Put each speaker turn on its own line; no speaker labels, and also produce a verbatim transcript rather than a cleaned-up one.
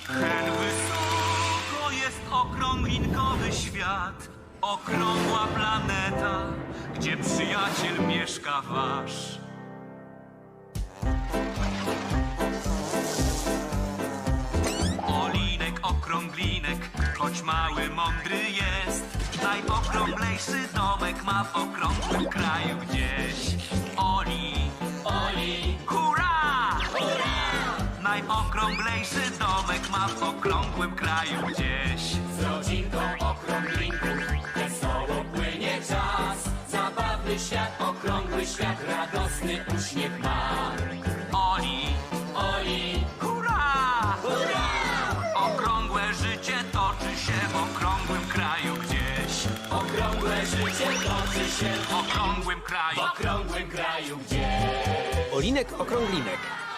Hen wysoko jest okrąglinkowy świat, okrągła planeta, gdzie przyjaciel mieszka wasz. Olinek, okrąglinek, choć mały, mądry jest, najokrąglejszy domek ma w okrągłym kraju gdzieś. Oli,
Oli,
hurra!
hurra!
Najokrąglejszy domek ma w okrągłym kraju gdzieś.
Z rodzinką okrąglinków wesoło płynie czas. Zabawny świat, okrągły świat, radosny uśmiech ma.
Oli,
Oli,
hurra!
hurra!
Okrągłe życie toczy się w okrągłym kraju gdzieś.
Okrągłe życie toczy się
W okrągłym
w
kraju.
okrągłym kraju gdzieś.
Olinek Okrąglinek.